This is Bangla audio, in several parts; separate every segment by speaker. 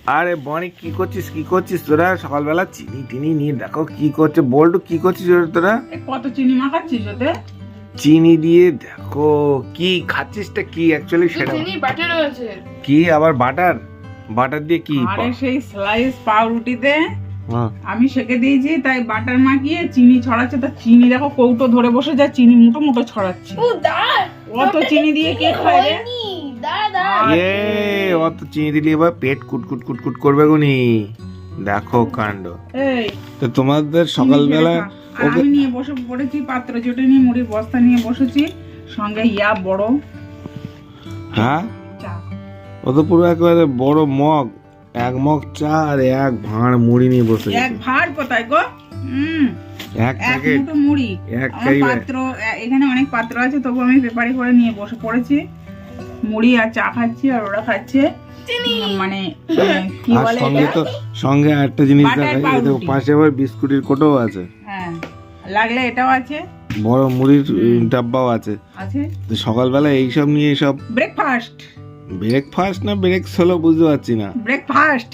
Speaker 1: আরে বনি কি করছিস তোরা সকালবেলা চিনি টিনি নিয়ে দেখো কি করছে বল্টু কি করছিস তোরা
Speaker 2: কত চিনি মাখাচ্ছিস ওতে
Speaker 1: চিনি দিয়ে দেখো কি খাচ্ছিসটা কি অ্যাকচুয়ালি সেটা
Speaker 3: চিনি বাটার আছে
Speaker 1: কি আবার বাটার দিয়ে কি
Speaker 2: আরে সেই স্লাইস পাউরুটিতে
Speaker 1: হ্যাঁ।
Speaker 2: আমি সেকে দিয়েছি তাই বাটার মাখিয়ে চিনি ছড়াচ্ছে তা চিনি দেখো কৌটো ধরে বসে যায় চিনি মুটো মুটো ছড়াচ্ছে
Speaker 3: ও দাঁড়
Speaker 2: অত চিনি দিয়ে কে খায় রে
Speaker 3: দাঁড়
Speaker 1: এ অত চিনি দিলে এবার পেট কুট করবে গুনি দেখো কাণ্ড
Speaker 2: এই
Speaker 1: তো তোমাদের সকালবেলা
Speaker 2: আর আমি নিয়ে বসে পড়েছি পাত্র জোটে নিয়ে মুড়ির বস্তা নিয়ে বসেছি সঙ্গে ইয়া বড়
Speaker 1: হ্যাঁ
Speaker 2: চা
Speaker 1: ও তো পুরো একেবারে বড় মগ এক মগ চা আর এক ভাঁড় মুড়ি নিয়ে বসে
Speaker 2: এক ভাড় কোথায় গো
Speaker 1: এক
Speaker 2: এক
Speaker 1: প্যাকেট
Speaker 2: মুঠো মুড়ি
Speaker 1: এক
Speaker 2: আমার
Speaker 1: খাইবে
Speaker 2: পাত্র এখানে অনেক পাত্র আছে তবু আমি পেপারে করে নিয়ে বসে পড়েছি মুড়ি আর চা খাচ্ছি আর ওরা খাচ্ছে মানে কি
Speaker 1: আর
Speaker 2: বলে
Speaker 1: সঙ্গে
Speaker 2: এটা
Speaker 1: তো সঙ্গে একটা জিনিস
Speaker 2: বাটার
Speaker 1: দেখাই এই দেখো
Speaker 2: পাউরুটি।
Speaker 1: পাশে আবার বিস্কুটের কোটোও আছে
Speaker 2: হ্যাঁ লাগলে এটাও আছে
Speaker 1: বড় মুড়ির ডাব্বাও আছে
Speaker 2: আছে
Speaker 1: তো সকালবেলা এইসব নিয়ে সব
Speaker 2: ব্রেকফাস্ট
Speaker 1: ব্রেকফাস্ট না ব্রেকস হলো বুঝতে পারছি না
Speaker 2: ব্রেকফাস্ট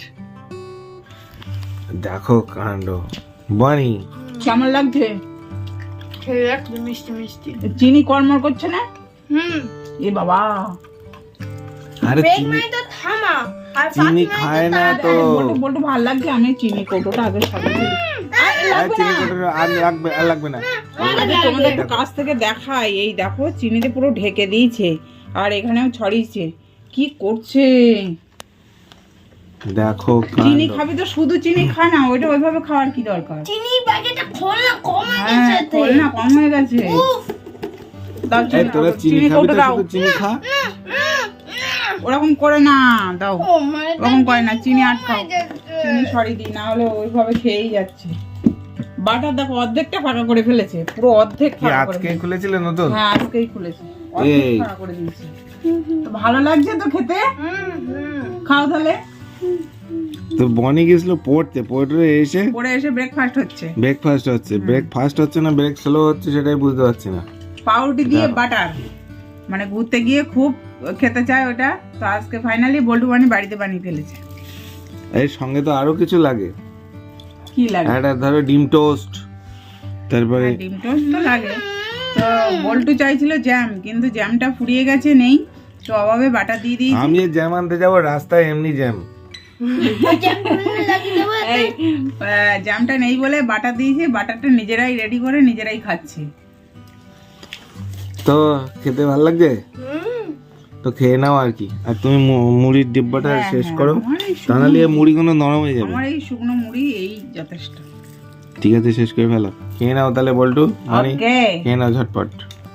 Speaker 1: দেখো কাণ্ড বানি
Speaker 2: কেমন লাগছে
Speaker 3: খেয়ে দেখ মিষ্টি মিষ্টি
Speaker 2: চিনি কর্মর করছে না এ বাবা
Speaker 1: আরে
Speaker 3: ব্রেক
Speaker 1: চিনি
Speaker 3: মানে তো থামা আর
Speaker 1: চিনি খায় না তো
Speaker 2: বলতে ভালো লাগছে আমি চিনি কৌটোটা আগে সাজিয়ে
Speaker 1: আর চিনি কোটোটা আর লাগবে না
Speaker 2: তোমাদের একটু কাছ থেকে দেখাই এই দেখো চিনিতে পুরো ঢেকে দিয়েছে আর এখানেও ছড়িয়েছে কি করছে
Speaker 1: দেখো
Speaker 2: চিনি
Speaker 1: কাণ্ড
Speaker 2: খাবি তো শুধু চিনি খা না ওইটা ওইভাবে খাওয়ার কি দরকার
Speaker 3: চিনি প্যাকেটটা খোল না কম হয়ে
Speaker 2: হ্যাঁ
Speaker 3: গেছে
Speaker 2: খোল না কম হয়ে গেছে দাও
Speaker 1: এই তোরা চিনি
Speaker 2: চিনি
Speaker 1: খাবি
Speaker 2: কৌটো
Speaker 1: তো
Speaker 2: দাও
Speaker 1: শুধু চিনি খা
Speaker 2: ওরকম করে না দাও
Speaker 3: ও মানে
Speaker 2: ওরকম করে না চিনি আটকাও চিনি সরিয়ে দিই না হলে ওইভাবে খেয়েই যাচ্ছে বাটার দেখো অর্ধেকটা ফাঁকা করে ফেলেছে পুরো অর্ধেক
Speaker 1: কি
Speaker 2: ফাঁকা করে
Speaker 1: আজকে
Speaker 2: ফেলেছে।
Speaker 1: খুলেছিল নতুন
Speaker 2: হ্যাঁ আজকেই খুলেছে অর্ধেক
Speaker 1: এই।
Speaker 2: ফাঁকা করে দিয়েছে তো ভালো লাগছে তো খেতে খাও তাহলে
Speaker 1: তো বনি গেছিল পড়তে এসে
Speaker 2: পরে এসে ব্রেকফাস্ট হচ্ছে
Speaker 1: ব্রেকফাস্ট হচ্ছে ব্রেকফাস্ট হচ্ছে না ব্রেক স্লো হচ্ছে সেটাই বুঝতে পারছি না
Speaker 2: পাউরুটি দিয়ে বাটার মানে ঘুরতে গিয়ে খুব খেতে চায় ওটা তো আজকে ফাইনালি বল্টু বানি বাড়িতে বানিয়ে ফেলেছে
Speaker 1: এর সঙ্গে তো আরো কিছু লাগে
Speaker 2: কি লাগে
Speaker 1: একটা ধরো ডিম টোস্ট তারপরে
Speaker 2: ডিম টোস্ট তো লাগে তো বল্টু চাইছিল জ্যাম কিন্তু জ্যামটা ফুরিয়ে গেছে নেই তো অভাবে বাটার দিয়ে দিয়েছি
Speaker 1: আমি যে জ্যাম আনতে যাবো রাস্তায় এমনি জ্যাম
Speaker 2: এই জ্যামটা নেই বলে বাটার দিয়েছি বাটারটা নিজেরাই রেডি করে নিজেরাই খাচ্ছি
Speaker 1: তো খেতে ভালো লাগছে তো খেয়ে নাও আর কি আর তুমি মুড়ির ডিব্বাটা
Speaker 2: হ্যাঁ,
Speaker 1: শেষ
Speaker 2: হ্যাঁ,
Speaker 1: করো
Speaker 2: আমার এই শুকনো-
Speaker 1: তাহলে এই মুড়িগুলো নরম হয়ে যাবে
Speaker 2: আমার এই শুকনো মুড়ি এই যথেষ্ট
Speaker 1: ঠিক আছে শেষ করে ফেলো খেয়ে নাও তাহলে বল্টু মানে
Speaker 2: ওকে
Speaker 1: খেয়ে নাও ঝটপট